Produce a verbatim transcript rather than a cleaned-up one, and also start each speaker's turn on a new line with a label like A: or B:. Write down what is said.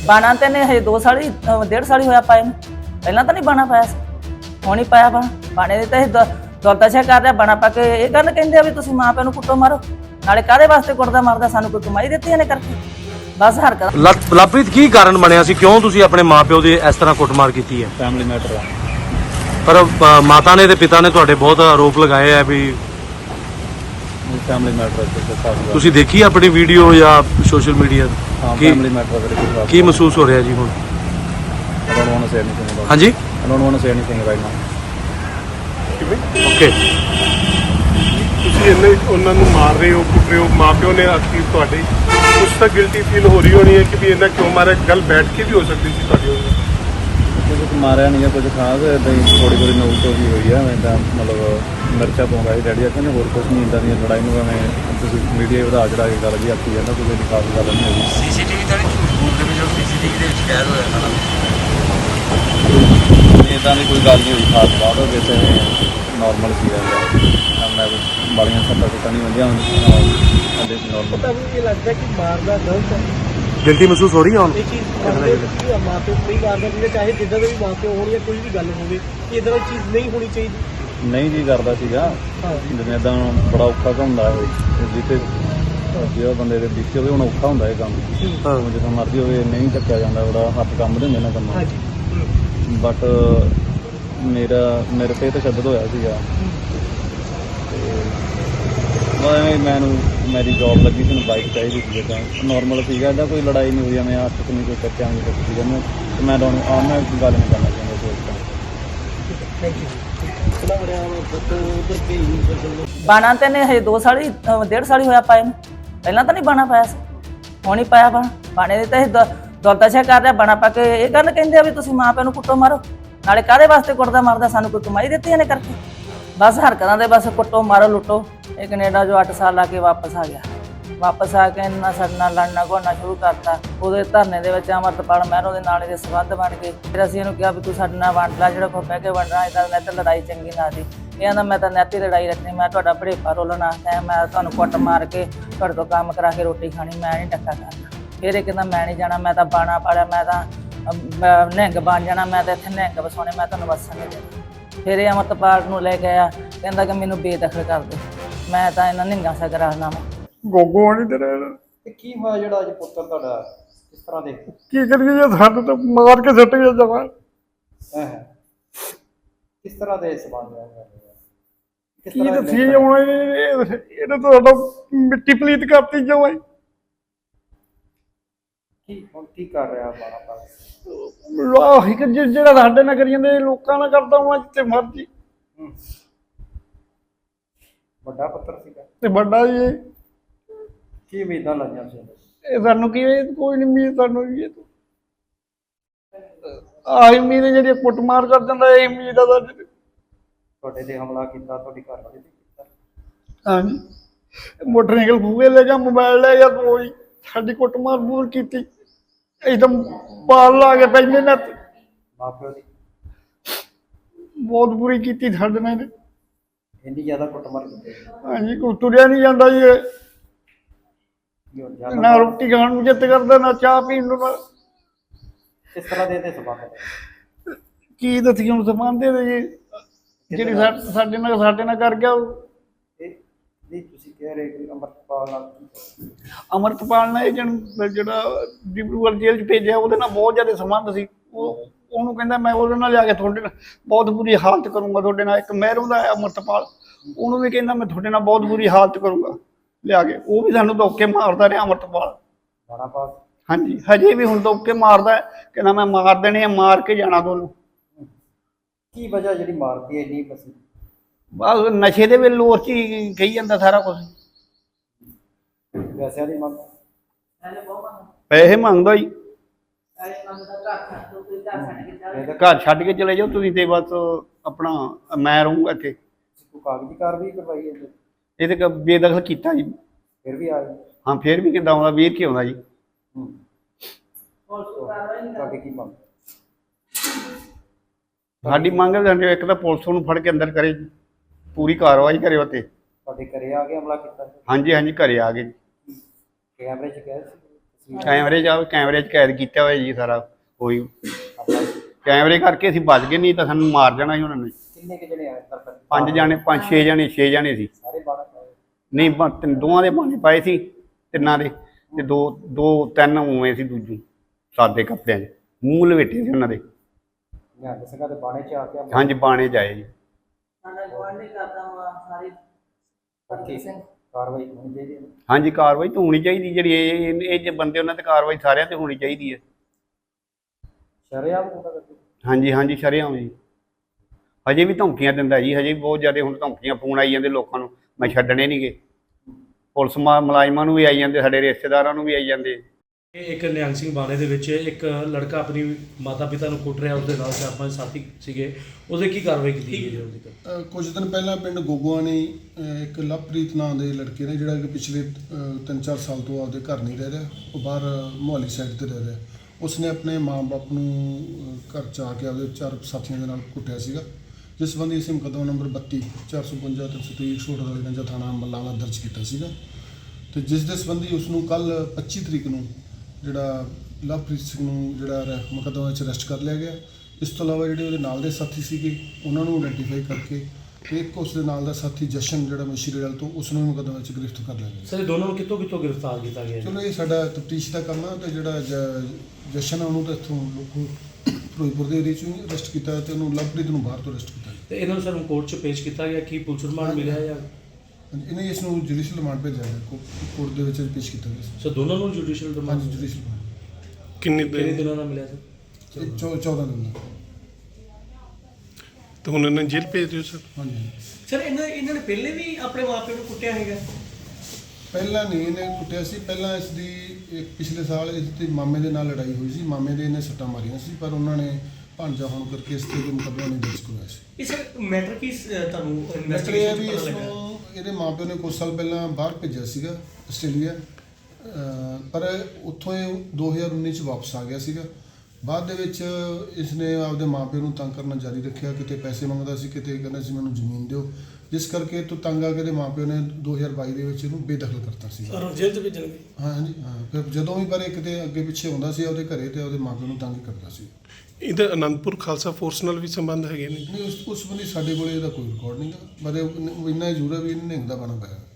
A: ਬਾਣਾ ਤੇ ਨੇ ਹਜੇ ਦੋ ਸਾਲ ਹੀ ਡੇਢ ਸਾਲ ਹੀ ਹੋਇਆ ਪਾਏ ਨੂੰ। ਪਹਿਲਾਂ ਤਾਂ ਨਹੀਂ ਬਾਣਾ ਪਾਇਆ ਸੀ, ਹੁਣ ਹੀ ਪਾਇਆ ਬਾਣਾ। ਬਾਣੇ ਦੇ ਤਾਂ ਇਹ ਦੌਲਤਾ ਸ਼ਾਹ ਕਰ ਰਿਹਾ ਬਾਣਾ ਪਾ ਕੇ। ਇਹ ਗੱਲ ਕਹਿੰਦੇ ਆ ਵੀ ਤੁਸੀਂ ਮਾਂ ਪਿਓ ਨੂੰ ਕੁੱਟੋ ਮਾਰੋ, ਨਾਲੇ ਕਾਹਦੇ ਵਾਸਤੇ ਕੁੱਟਦਾ ਮਾਰਦਾ, ਸਾਨੂੰ ਕੋਈ ਕਮਾਈ ਦਿੱਤੀ ਇਹਨੇ ਕਰਕੇ। ਬਸ ਹਰਕਤ।
B: ਲਵਪ੍ਰੀਤ ਕੀ ਕਾਰਨ ਬਣਿਆ ਸੀ, ਕਿਉਂ ਤੁਸੀਂ ਆਪਣੇ ਮਾਪਿਓ ਦੀ ਇਸ ਤਰ੍ਹਾਂ ਕੁੱਟਮਾਰ ਕੀਤੀ ਹੈ?
C: ਫੈਮਿਲੀ ਮੈਟਰ ਆ।
B: ਪਰ ਮਾਤਾ ਨੇ ਤੇ ਪਿਤਾ ਨੇ ਤੁਹਾਡੇ ਬਹੁਤ ਆਰੋਪ ਲਗਾਏ ਆ ਵੀ
C: ਫੈਮਿਲੀ ਮੈਟਰ ਹੈ।
B: ਤੁਸੀਂ ਦੇਖੀ ਆਪਣੀ ਵੀਡੀਓ ਜਾਂ ਸੋਸ਼ਲ ਮੀਡੀਆ?
C: ਹਾਂ,
B: ਕੀ
C: ਫੈਮਿਲੀ ਮੈਟਰ ਹੈ ਵੀਰੇ।
B: ਕੀ ਮਹਿਸੂਸ ਹੋ ਰਿਹਾ ਜੀ ਹੁਣ?
C: I don't want to say anything about it.
B: ਹਾਂਜੀ,
C: I don't want to say anything right now.
B: Okay.
D: ਤੁਸੀਂ ਇੰਨੇ ਉਹਨਾਂ ਨੂੰ ਮਾਰ ਰਹੇ ਹੋ, ਕੁੱਟ ਰਹੇ ਹੋ, ਮਾਂ ਪਿਓ ਨੇ ਆਖੀ ਤੁਹਾਡੇ ਕੁਝ ਤਾਂ ਗਿਲਟੀ ਫੀਲ ਹੋ ਰਹੀ ਹੋਣੀ ਹੈ ਕਿ ਵੀ ਇਹਨਾਂ ਕਿਉਂ ਮਾਰਿਆ। ਗੱਲ ਬੈਠ ਕੇ ਵੀ ਹੋ ਸਕਦੀ ਸੀ ਤੁਹਾਡੀ ਉਹਦੇ ਨਾਲ।
C: ਕੁਝ ਮਾਰਿਆ ਨਹੀਂ ਹੈ, ਕੁਝ ਖਾਸ ਇੱਦਾਂ ਹੀ ਥੋੜੀ ਥੋੜੀ ਨੋਕ ਤੋਂ ਵੀ ਹੋਈ ਆ। ਮੈਂ ਤਾਂ ਮਤਲਬ ਮਿਰਚਾ ਪਾਉਂਦਾ ਸੀ ਡੈਡੀ ਆ, ਕਹਿੰਦੇ ਹੋਰ ਕੁਝ ਨਹੀਂ ਇੱਦਾਂ ਦੀਆਂ ਲੜਾਈ ਨੂੰ ਐਵੇਂ ਤੁਸੀਂ ਮੀਡੀਆ ਵਧਾ ਚੜਾ ਕੇ ਗੱਲ ਵੀ ਆਖੀ ਜਾਂਦਾ, ਕੋਈ ਐਡੀ ਖਾਸ ਗੱਲ ਨਹੀਂ ਹੋਈ।
E: ਸੀਸੀਟੀਵੀ ਤਾਂ ਨਹੀਂ ਝੂਠ ਬੋਲਦੇ ਵੀ ਜੋ ਸੀਸੀਟੀਵੀ ਦੇ ਵਿੱਚ ਕੈਦ ਹੋਇਆ ਸਾਰਾ
C: ਇੱਦਾਂ ਦੀ ਕੋਈ ਗੱਲ ਨਹੀਂ ਹੋਈ ਖਾਸ ਬਾਤ। ਉਹ ਵੈਸੇ ਨੋਰਮਲ ਸੀ ਰਹਿੰਦਾ। ਮੈਂ ਬਾਲੀਆਂ ਸੱਟਾਂ ਸੁੱਟਾਂ ਨਹੀਂ ਹੁੰਦੀਆਂ ਹੁੰਦੇ ਸੀ ਨੋਰਮਲ।
F: ਤੁਹਾਨੂੰ ਇਹ ਲੱਗਦਾ ਕਿ ਮਾਰਦਾ ਗਲਤ ਹੈ?
B: ਗਿਲਟੀ ਮਹਿਸੂਸ ਹੋ ਰਹੀ ਹੈ ਹੁਣ?
F: ਇਹ ਚੀਜ਼ ਮਾਪੇ ਨਹੀਂ ਕਰਦੇ ਜਿਹਦੇ ਚਾਹੇ ਜਿੱਦਾਂ ਦੇ ਵੀ ਮਾਪੇ ਹੋਣ ਜਾਂ ਕੋਈ ਵੀ ਗੱਲ ਹੋਵੇ ਕਿ ਇੱਦਾਂ ਦੀ ਚੀਜ਼ ਨਹੀਂ ਹੋਣੀ ਚਾਹੀਦੀ।
C: ਨਹੀਂ ਜੀ ਕਰਦਾ ਸੀਗਾ ਜਿਵੇਂ ਇੱਦਾਂ ਬੜਾ ਔਖਾ ਹੁੰਦਾ ਹੈ ਜਿੱਥੇ ਜਿਹੜਾ ਬੰਦੇ ਦੇ ਵਿੱਚ ਹੋਵੇ ਹੁਣ ਔਖਾ ਹੁੰਦਾ ਇਹ ਕੰਮ। ਜਦੋਂ ਮਰਜ਼ੀ ਹੋਵੇ ਨਹੀਂ ਚੱਕਿਆ ਜਾਂਦਾ, ਬੜਾ ਹੱਥ ਕੰਮ ਦੇ ਹੁੰਦੇ ਨਾ ਕੰਮਾਂ। ਬਟ ਮੇਰਾ ਮੇਰੇ ਤੇ ਤਸ਼ੱਦਦ ਹੋਇਆ ਸੀਗਾ ਤੇ ਮੈਨੂੰ ਮੇਰੀ ਜੋਬ ਲੱਗੀ ਸੀ, ਬਾਈਕ ਚਾਹੀਦੀ ਸੀ। ਤਾਂ ਨੋਰਮਲ ਸੀਗਾ, ਇੱਦਾਂ ਕੋਈ ਲੜਾਈ ਨਹੀਂ ਹੋਈ। ਮੈਂ ਹੱਥ ਨਹੀਂ ਕੋਈ ਚੱਕਿਆ ਨਹੀਂ ਕੁਛ ਸੀਗਾ। ਮੈਂ ਤੇ ਮੈਂ ਤੁਹਾਨੂੰ ਆਹ ਮੈਂ ਗੱਲ ਨਹੀਂ ਕਰਨਾ ਚਾਹੁੰਦਾ ਸੋਚਦਾ।
F: Thank you.
A: ਬਾਣਾ ਤੇ ਨੇ ਹਜੇ ਦੋ ਸਾਲ ਹੀ ਡੇਢ ਸਾਲ ਹੀ ਹੋਇਆ ਪਾਏ ਨੂੰ। ਪਹਿਲਾਂ ਤਾਂ ਨਹੀਂ ਬਾਣਾ ਪਾਇਆ ਸੀ, ਹੁਣ ਹੀ ਪਾਇਆ ਬਾਣਾ। ਬਾਣੇ ਦੇ ਤਾਂ ਇਹ ਦੌਲਤਾ ਸ਼ਾਹ ਕਰ ਰਿਹਾ ਬਾਣਾ ਪਾ ਕੇ। ਇਹ ਗੱਲ ਕਹਿੰਦੇ ਆ ਵੀ ਤੁਸੀਂ ਮਾਂ ਪਿਓ ਨੂੰ ਕੁੱਟੋ ਮਾਰੋ, ਨਾਲੇ ਕਾਹਦੇ ਵਾਸਤੇ ਕੁੱਟਦਾ ਮਾਰਦਾ, ਸਾਨੂੰ ਕੋਈ ਕਮਾਈ ਦਿੱਤੀ ਇਹਨੇ ਕਰਕੇ। ਬਸ ਹਰਕਤਾਂ ਦੇ ਬਸ ਕੁੱਟੋ ਮਾਰੋ ਲੁੱਟੋ। ਇਹ ਕੈਨੇਡਾ ਜੋ ਅੱਠ ਸਾਲ ਲਾ ਕੇ ਵਾਪਸ ਆ ਗਿਆ। ਵਾਪਸ ਆ ਕੇ ਇਹਨਾਂ ਸਾਡੇ ਨਾਲ ਲੜਨਾ ਘੋੜਨਾ ਸ਼ੁਰੂ ਕਰਤਾ। ਉਹਦੇ ਧਰਨੇ ਦੇ ਵਿੱਚ ਅਮਰਤਪਾਲ ਮਹਿਰੋ ਦੇ ਨਾਲ ਇਹਦੇ ਸੰਬੰਧ ਬਣ ਗਏ। ਫਿਰ ਅਸੀਂ ਇਹਨੂੰ ਕਿਹਾ ਵੀ ਤੂੰ ਸਾਡੇ ਨਾਲ ਵੰਡ ਲਾ, ਜਿਹੜਾ ਕੋ ਬਹਿ ਕੇ ਵੰਡਣਾ। ਇੱਦਾਂ ਨੈਤ ਲੜਾਈ ਚੰਗੀ ਨਾ ਦੀ। ਇਹ ਕਹਿੰਦਾ ਮੈਂ ਤਾਂ ਨੈਤੀ ਲੜਾਈ ਰੱਖਣੀ, ਮੈਂ ਤੁਹਾਡਾ ਭੜੇਪਾ ਰੋਲਣਾ ਹੈ, ਮੈਂ ਤੁਹਾਨੂੰ ਕੁੱਟ ਮਾਰ ਕੇ ਤੁਹਾਡੇ ਤੋਂ ਕੰਮ ਕਰਾ ਕੇ ਰੋਟੀ ਖਾਣੀ, ਮੈਂ ਨਹੀਂ ਟੱਕਾ ਕਰਨਾ। ਫਿਰ ਇਹ ਕਹਿੰਦਾ ਮੈਂ ਨਹੀਂ ਜਾਣਾ, ਮੈਂ ਤਾਂ ਬਾਣਾ ਪਾੜਿਆ, ਮੈਂ ਤਾਂ ਨਿਹੰਗ ਬਣ ਜਾਣਾ, ਮੈਂ ਤਾਂ ਇੱਥੇ ਨਿਹੰਗ ਵਸਾਉਣੇ, ਮੈਂ ਤੁਹਾਨੂੰ ਵਸਣ ਨਹੀਂ ਦੇਣਾ। ਫਿਰ ਇਹ ਅਮਰਤਪਾਲ ਨੂੰ ਲੈ ਕੇ ਆਇਆ, ਕਹਿੰਦਾ ਕਿ ਮੈਨੂੰ ਬੇਦਖਲ ਕਰ ਦੇ, ਮੈਂ ਤਾਂ ਇਹਨਾਂ ਨਿਹੰਗਾਂ ਸਾ ਕਰਾਉਣਾ ਵਾ।
D: ਗੋਗੋ ਨਹੀਂ ਤੇਰੇ
F: ਤੇ ਕੀ ਹੋਇਆ ਜਿਹੜਾ ਅੱਜ ਪੁੱਤਰ ਤੁਹਾਡਾ ਕਿਸ ਤਰ੍ਹਾਂ ਦੇ
D: ਕੀ ਕਰੀਏ ਜੇ ਸਾਨੂੰ ਤਾਂ ਮਾਰ ਕੇ ਸੁੱਟ ਗਿਆ ਜਮਾ।
F: ਹੈ ਕਿਸ ਤਰ੍ਹਾਂ ਦੇ ਸਬੰਧ ਹੈ?
D: ਕੀ ਦੱਸੀਏ ਹੁਣ ਇਹਨੇ ਤਾਂ ਸਾਡਾ ਮਿੱਟੀ ਪਲੀਤ ਕਰਤੀ ਜਮਾ।
F: ਕੀ ਹੁਣ ਕੀ ਕਰ ਰਿਹਾ ਬਾਣਾ ਪਾ
D: ਲਾਹ ਇੱਕ ਜਿਹੜਾ ਸਾਡੇ ਨਾਲ ਕਰੀ ਜਾਂਦੇ ਲੋਕਾਂ ਨਾਲ ਕਰਦਾ ਹਾਂ ਜਿੱਥੇ ਮਰਜੀ।
F: ਵੱਡਾ ਪੁੱਤਰ ਸੀਗਾ
D: ਤੇ ਵੱਡਾ ਜੀ
F: ਕੀ ਉਮੀਦਾਂ ਲਾਈਆਂ ਸੀ?
D: ਇਹ ਸਾਨੂੰ ਕੀ ਕੋਈ ਨਹੀਂ ਉਮੀਦ ਸਾਨੂੰ ਇਹ ਤੋਂ ਆਹੀ ਉਮੀਦ ਜਿਹੜੀ ਕੁੱਟਮਾਰ ਕਰ ਦਿੰਦਾ, ਇਹ ਉਮੀਦ ਆ ਸਾਡੀ।
F: ਤੁਹਾਡੇ ਤੇ ਹਮਲਾ ਕੀਤਾ, ਤੁਹਾਡੀ ਘਰ ਵਾਲੇ ਤੇ ਕੀਤਾ?
D: ਹਾਂਜੀ, ਮੋਟਰਸਾਈਕਲ ਖੂਹੇ ਲੈ ਗਿਆ, ਮੋਬਾਈਲ ਲੈ ਗਿਆ, ਕੋਈ ਸਾਡੀ ਕੁੱਟਮਾਰ ਬੂਰ ਕੀਤੀ। ਇੱਕਦਮ ਪਾਲ ਲਾ ਕੇ ਪੈਂਦੇ ਨੇ।
F: ਮਾਂ ਪਿਓ ਦੀ
D: ਬਹੁਤ ਬੁਰੀ ਕੀਤੀ ਸਾਡੇ ਨਾਲ।
F: ਇੰਨੀ ਜ਼ਿਆਦਾ ਕੁੱਟਮਾਰ ਕੀਤੀ?
D: ਹਾਂਜੀ, ਕੋਈ ਤੁਰਿਆ ਨਹੀਂ ਜਾਂਦਾ ਜੀ। ਨਾ ਰੋਟੀ ਖਾਣ ਨੂੰ ਜਿੱਤ ਕਰਦਾ, ਨਾ ਚਾਹ ਪੀਣ ਨੂੰ।
F: ਕਿਸ ਤਰ੍ਹਾਂ ਦੇ ਇਹਦੇ ਸਬੰਧ?
D: ਕੀ ਦੱਸੀਏ ਹੁਣ ਸਬੰਧ ਦੇ ਜੀ, ਜਿਹੜੀ ਸਾਡੇ ਨਾਲ ਸਾਡੇ ਨਾਲ ਕਰ ਗਿਆ।
F: ਨਹੀਂ ਤੁਸੀਂ ਕਹਿ ਰਹੇ ਕਿ ਅਮਰਤਪਾਲ ਨਾਲ
D: ਅਮਰਤਪਾਲ ਨੇ ਏਜੰਟ ਜਿਹੜਾ ਡਿਬਰੂਗੜ੍ਹ ਜੇਲ੍ਹ 'ਚ ਭੇਜਿਆ, ਉਹਦੇ ਨਾਲ ਬਹੁਤ ਜ਼ਿਆਦਾ ਸੰਬੰਧ ਸੀ। ਉਹ ਉਹਨੂੰ ਕਹਿੰਦਾ ਮੈਂ ਉਹਦੇ ਨਾਲ ਲਿਆ ਕੇ ਤੁਹਾਡੇ ਨਾਲ ਬਹੁਤ ਬੁਰੀ ਹਾਲਤ ਕਰੂੰਗਾ। ਤੁਹਾਡੇ ਨਾਲ ਇੱਕ ਮਹਿਰੋਂ ਦਾ ਅਮਰਤਪਾਲ, ਉਹਨੂੰ ਵੀ ਕਹਿੰਦਾ ਮੈਂ ਤੁਹਾਡੇ ਨਾਲ ਬਹੁਤ ਬੁਰੀ ਹਾਲਤ ਕਰੂੰਗਾ ਲਿਆ ਕੇ। ਉਹ ਵੀ ਸਾਨੂੰ ਧੋਕੇ ਮਾਰਦਾ ਰਿਹਾ ਅਮਰਤਪਾਲ।
F: ਬਾਣਾ ਪਾ
D: ਹਾਂਜੀ, ਹਜੇ ਵੀ ਹੁਣ ਧੋਕੇ ਮਾਰਦਾ, ਕਹਿੰਦਾ ਮੈਂ ਮਾਰ ਦੇਣੇ ਆ, ਮਾਰ ਕੇ ਜਾਣਾ ਤੁਹਾਨੂੰ।
F: ਕੀ ਵਜ੍ਹਾ ਜਿਹੜੀ ਮਾਰਦੀ ਹੈ ਇੰਨੀ? ਬਸ
D: ਬਸ ਨਸ਼ੇ ਦੇ ਵੇਲੇ ਲੋਰ 'ਚ ਹੀ ਕਹੀ ਜਾਂਦਾ ਸਾਰਾ ਕੁਛ।
F: ਪੈਸਿਆਂ ਦੀ ਮੰਗ,
D: ਪੈਸੇ ਮੰਗਦਾ ਜੀ। ਘਰ ਛੱਡ ਕੇ ਚਲੇ ਜਾਓ ਤੁਸੀਂ, ਤੇ ਬਸ ਆਪਣਾ ਮੈਂ ਰਹੂੰਗਾ ਇੱਥੇ।
F: ਕੋਈ ਕਾਗਜ਼ੀ ਕਾਰਵਾਈ ਕਰਵਾਈ ਹੈ?
D: ਇਹ ਤੇ ਬੇਦਖਲ ਕੀਤਾ ਜੀ।
F: ਫਿਰ ਵੀ ਆ ਗਏ?
D: ਹਾਂ, ਫਿਰ ਵੀ ਕਿੱਦਾਂ ਆਉਂਦਾ, ਵੀਰ ਕੀ ਆਉਂਦਾ ਜੀ।
F: ਤੁਹਾਡੀ ਕੀ ਮੰਗ?
D: ਸਾਡੀ ਮੰਗ ਹੈ ਇੱਕ ਤਾਂ ਪੁਲਿਸ ਨੂੰ ਫੜ ਕੇ ਅੰਦਰ ਕਰੇ, ਪੂਰੀ ਕਾਰਵਾਈ ਕਰੇ ਉਹ 'ਤੇ।
F: ਤੁਹਾਡੇ ਘਰੇ ਆ ਕੇ ਹਮਲਾ ਕੀਤਾ?
D: ਹਾਂਜੀ ਹਾਂਜੀ, ਘਰੇ ਆ ਗਏ।
F: ਕੈਮਰੇ 'ਚ ਗਏ ਸੀ?
D: ਕੈਮਰੇ ਜਾ ਕੈਮਰੇ 'ਚ ਕੈਦ ਕੀਤਾ ਹੋਇਆ ਜੀ ਸਾਰਾ ਕੋਈ ਕੈਮਰੇ ਕਰਕੇ ਅਸੀਂ ਬਚ ਗਏ, ਨਹੀਂ ਤਾਂ ਸਾਨੂੰ ਮਾਰ ਜਾਣਾ ਸੀ ਉਹਨਾਂ ਨੇ।
F: ਕਿੰਨੇ ਕਿ ਜਣੇ ਆਏ ਸਰਪੰਚ?
D: ਪੰਜ ਜਾਣੇ ਪੰਜ ਛੇ ਜਾਣੇ ਛੇ ਜਾਣੇ ਸੀ।
F: ਸਾਰੇ ਬਾੜਾ ਪਾਏ?
D: ਨਹੀਂ ਬ- ਤਿੰਨ- ਦੋਵਾਂ ਦੇ ਬਾਣੇ ਪਾਏ ਸੀ, ਤਿੰਨਾਂ ਦੇ, ਤੇ ਦੋ ਦੋ ਤਿੰਨ ਉਵੇਂ ਸੀ ਦੂਜੂ ਸਾਦੇ ਕੱਪੜਿਆਂ 'ਚ, ਮੂੰਹ ਲਵੇਟੇ ਸੀ ਉਹਨਾਂ ਦੇ।
F: ਨਿਹੰਗ ਸਿੰਘਾਂ ਦੇ ਬਾਣੇ 'ਚ ਆ ਕੇ
D: ਹਾਂਜੀ ਬਾਣੇ 'ਚ ਆਏ ਜੀ।
A: ਸਾਡਾ ਗਵਾਂਢੀ ਕਰਦਾ ਵਾ ਸਾਰੀ
F: ਪੱਕੀ ਕਾਰਵਾਈ ਹੋਣੀ ਚਾਹੀਦੀ ਹੈ।
D: ਹਾਂਜੀ ਕਾਰਵਾਈ ਤਾਂ ਹੋਣੀ ਚਾਹੀਦੀ, ਜਿਹੜੀ ਇਹ ਇਹ ਇਹ ਜੇ ਬੰਦੇ ਉਹਨਾਂ ਤੇ ਕਾਰਵਾਈ ਸਾਰਿਆਂ ਤੇ ਹੋਣੀ ਚਾਹੀਦੀ ਹੈ।
F: ਸ਼ਰੇਆਮ ਹੁੰਦਾ ਕਰਦੇ?
D: ਹਾਂਜੀ ਹਾਂਜੀ ਸ਼ਰੇਆਮ ਜੀ। ਹਜੇ ਵੀ ਧਮਕੀਆਂ ਦਿੰਦਾ ਜੀ, ਹਜੇ ਵੀ ਬਹੁਤ ਜ਼ਿਆਦਾ ਹੁਣ ਧਮਕੀਆਂ ਫੋਨ ਆਈ ਜਾਂਦੇ ਲੋਕਾਂ ਨੂੰ, ਮੈਂ ਛੱਡਣੇ ਨਹੀਂ ਗੇ। ਪੁਲਿਸ ਮਾ ਮੁਲਾਜ਼ਮਾਂ ਨੂੰ ਵੀ ਆਈ ਜਾਂਦੇ, ਸਾਡੇ ਰਿਸ਼ਤੇਦਾਰਾਂ ਨੂੰ ਵੀ ਆਈ ਜਾਂਦੇ।
B: ਇਹ ਇੱਕ ਨਿਹੰਗ ਸਿੰਘ ਬਾਣੇ ਦੇ ਵਿੱਚ ਇੱਕ ਲੜਕਾ ਆਪਣੀ ਮਾਤਾ ਪਿਤਾ ਨੂੰ ਕੁੱਟ ਰਿਹਾ, ਉਸਦੇ ਨਾਲ ਚਾਰ ਪੰਜ ਸਾਥੀ ਸੀਗੇ, ਉਹਦੇ ਕੀ ਕਾਰਵਾਈ ਕੀਤੀ ਗਈ ਹੈ ਉਹਦੀ?
G: ਅ, ਕੁਝ ਦਿਨ ਪਹਿਲਾਂ ਪਿੰਡ ਗੋਗੋਆਣੀ ਅ, ਇੱਕ ਲਵਪ੍ਰੀਤ ਨਾਂ ਦੇ ਲੜਕੇ ਨੇ, ਜਿਹੜਾ ਕਿ ਪਿਛਲੇ ਅ, ਤਿੰਨ ਚਾਰ ਸਾਲ ਤੋਂ ਆਪਦੇ ਘਰ ਨਹੀਂ ਰਹਿ ਰਿਹਾ, ਉਹ ਬਾਹਰ ਮੁਹਾਲੀ ਸਾਈਡ ਤੇ ਰਹਿ ਰਿਹਾ। ਉਸਨੇ ਆਪਣੇ ਮਾਂ-ਬਾਪ ਨੂੰ ਅ, ਘਰ 'ਚ ਆ ਕੇ ਆਪਦੇ ਚਾਰ ਸਾਥੀਆਂ ਦੇ ਨਾਲ ਕੁੱਟਿਆ ਸੀਗਾ, ਜਿਸ ਸੰਬੰਧੀ ਅਸੀਂ ਮੁਕੱਦਮਾ ਨੰਬਰ ਬੱਤੀ ਚਾਰ ਸੌ ਪੰਜਾਹ ਤਿੰਨ ਸੌ ਤੇਈ ਇੱਕ ਸੌ ਅਠਤਾਲੀ ਰੰਜਾ ਥਾਣਾ ਮੱਲਾਂਵਾਲਾ ਦਰਜ ਕੀਤਾ ਸੀਗਾ, ਅਤੇ ਜਿਸ ਦੇ ਸੰਬੰਧੀ ਉਸ ਨੂੰ ਕੱਲ੍ਹ ਪੱਚੀ ਤਰੀਕ ਨੂੰ ਜਿਹੜਾ ਲਵਪ੍ਰੀਤ ਸਿੰਘ ਨੂੰ ਜਿਹੜਾ ਮੁਕੱਦਮਾ ਵਿੱਚ ਅਰੈਸਟ ਕਰ ਲਿਆ ਗਿਆ। ਇਸ ਤੋਂ ਇਲਾਵਾ ਜਿਹੜੇ ਉਹਦੇ ਨਾਲ ਦੇ ਸਾਥੀ ਸੀਗੇ ਉਹਨਾਂ ਨੂੰ ਆਈਡੈਂਟੀਫਾਈ ਕਰਕੇ ਤੇ ਇੱਕ ਉਸ ਦੇ ਨਾਲ ਦਾ ਸਾਥੀ ਜਸ਼ਨ ਜਿਹੜਾ ਮਸ਼ੀਰੇਵਾਲ ਤੋਂ, ਉਸ ਨੂੰ ਵੀ ਮੁਕੱਦਮਾ ਵਿੱਚ ਗ੍ਰਿਫਤਾਰ ਕਰ ਲਿਆ ਗਿਆ।
B: ਸਰ ਇਹ ਦੋਨੋਂ ਨੂੰ ਕਿੱਥੋਂ ਕਿੱਥੋਂ ਗ੍ਰਿਫਤਾਰ ਕੀਤਾ ਗਿਆ?
G: ਚਲੋ ਇਹ ਸਾਡਾ ਤਫਤੀਸ਼ ਦਾ ਕੰਮ ਹੈ, ਤੇ ਜਿਹੜਾ ਜ- ਜਸ਼ਨ ਆ ਉਹਨੂੰ ਤਾਂ ਇੱਥੋਂ ਲੋਕੋ ਫਿਰੋਜ਼ਪੁਰ ਦੇ ਏਰੀਏ 'ਚੋਂ ਹੀ ਅਰੈਸਟ ਕੀਤਾ, ਤੇ ਉਹਨੂੰ ਲਵਪ੍ਰੀਤ ਨੂੰ ਬਾਹਰ ਤੋਂ ਅਰੈਸਟ ਕੀਤਾ।
B: ਤੇ ਇਹਨਾਂ ਨੂੰ ਸਾਨੂੰ ਕੋਰਟ 'ਚ ਪੇਸ਼ ਕੀਤਾ ਗਿਆ, ਕੀ ਪੁਲਿਸ ਰਿਮਾਂਡ ਮਿਲਿਆ ਜਾਂ?
G: ਹਾਂਜੀ, ਇਹਨੇ ਇਸ ਨੂੰ ਜੁਡੀਸ਼ੀਅਲ ਰਿਮਾਂਡ ਭੇਜਿਆ ਗਿਆ, ਕੋ- ਕੋਰਟ ਦੇ ਵਿੱਚ ਪੇਸ਼ ਕੀਤਾ ਗਿਆ ਸੀ।
B: ਸਰ ਦੋਨੋਂ ਨੂੰ ਜੁਡੀਸ਼ੀਅਲ ਰਿਮਾਂਡ?
G: ਹਾਂਜੀ ਜੁਡੀਸ਼ੀਅਲ ਰਿਮਾਂਡ
H: ਕਿੰਨੀ
B: ਕਿੰਨੇ
H: ਦੇਰ
B: ਦਿਨਾਂ ਦਾ ਮਿਲਿਆ ਸਰ?
G: ਇਹ ਚੌ- ਚੌਦਾਂ ਦਿਨ ਦਾ।
H: ਤੇ ਹੁਣ ਇਹਨਾਂ ਜੇਲ੍ਹ ਭੇਜ ਦਿਓ ਸਰ?
G: ਹਾਂਜੀ
F: ਸਰ ਇਹਨਾਂ ਇਹਨਾਂ ਨੇ ਪਹਿਲੇ ਵੀ ਆਪਣੇ ਮਾਪਿਆਂ ਨੂੰ ਕੁੱਟਿਆ ਹੈਗਾ?
G: ਪਹਿਲਾਂ ਨਹੀਂ ਇਹਨੇ ਕੁੱਟਿਆ ਸੀ, ਪਹਿਲਾਂ ਇਸ ਦੀ ਇੱਕ ਪਿਛਲੇ ਸਾਲ ਇਸ ਦੇ ਮਾਮੇ ਦੇ ਨਾਲ ਲੜਾਈ ਹੋਈ ਸੀ, ਮਾਮੇ ਦੇ ਇਹਨੇ ਸੱਟਾਂ ਮਾਰੀਆਂ ਸੀ, ਪਰ ਉਹਨਾਂ ਨੇ ਭਾਂਜਾ ਹੋਣ ਕਰਕੇ ਇਸ ਤੇ ਕੋਈ ਮੁਕੱਦਮਾ ਨਹੀਂ ਦਰਜ ਕਰਵਾਇਆ ਸੀ।
F: ਇਹ ਸਰ ਮੈਟਰ ਕੀ ਸ- ਤੁਹਾਨੂੰ
G: ਮੈਟਰ ਇਹ ਹੈ
F: ਇਨਵੈਸਟੀਗੇਸ਼ਨ
G: ਵੀ
F: ਪਤਾ
G: ਇਸ
F: ਲੱਗਾ?
G: ਨੂੰ ਇਹਦੇ ਮਾਪਿਆਂ ਨੇ ਕੁਝ ਸਾਲ ਪਹਿਲਾਂ ਬਾਹਰ ਭੇਜਿਆ ਸੀਗਾ ਆਸਟ੍ਰੇਲੀਆ, ਅਹ ਪਰ ਉੱਥੋਂ ਇਹ ਦੋ ਹਜ਼ਾਰ ਉੱਨੀ 'ਚ ਵਾਪਸ ਆ ਗਿਆ ਸੀਗਾ। ਬਾਅਦ ਦੇ ਵਿੱਚ ਇਸਨੇ ਆਪਦੇ ਮਾਪਿਆਂ ਨੂੰ ਤੰਗ ਕਰਨਾ ਜਾਰੀ ਰੱਖਿਆ, ਕਿਤੇ ਪੈਸੇ ਮੰਗਦਾ ਸੀ, ਕਿਤੇ ਕਹਿੰਦਾ ਸੀ ਮੈਨੂੰ ਜ਼ਮੀਨ ਦਿਓ, ਜਿਸ ਕਰਕੇ ਤੋਂ ਤੰਗ ਆ ਕੇ ਇਹਦੇ ਮਾਪਿਆਂ ਨੇ ਦੋ ਹਜ਼ਾਰ ਬਾਈ ਦੇ ਵਿੱਚ ਇਹਨੂੰ ਬੇਦਖਲ ਕਰਤਾ ਸੀ।
H: ਜੇਲ੍ਹ 'ਚ ਭੇਜਣਗੇ?
G: ਹਾਂ ਹਾਂਜੀ ਹਾਂ, ਫਿਰ ਜਦੋਂ ਵੀ ਪਰ ਇਹ ਕਿਤੇ ਅੱਗੇ ਪਿੱਛੇ ਹੁੰਦਾ ਸੀ ਉਹਦੇ ਘਰੇ, ਤੇ ਉਹਦੇ ਮਾਪਿਆਂ ਨੂੰ ਤੰਗ ਕਰਦਾ ਸੀ।
H: ਇਹਦਾ ਅਨੰਦਪੁਰ ਖਾਲਸਾ ਫੋਰਸ ਨਾਲ ਵੀ ਸੰਬੰਧ ਹੈਗੇ ਨੇ?
G: ਨਹੀਂ ਉਸ ਉਸ ਬੰਦੀ ਸਾਡੇ ਕੋਲੇ ਇਹਦਾ ਕੋਈ ਰਿਕਾਰਡ ਨਹੀਂ ਗਾ, ਪਰ ਇਹ ਇੰਨਾ ਜ਼ਰੂਰ ਹੈ ਵੀ ਇਹਨੇ ਨਿਹੰਗ ਦਾ ਬਣਾ ਪਾਇਆ।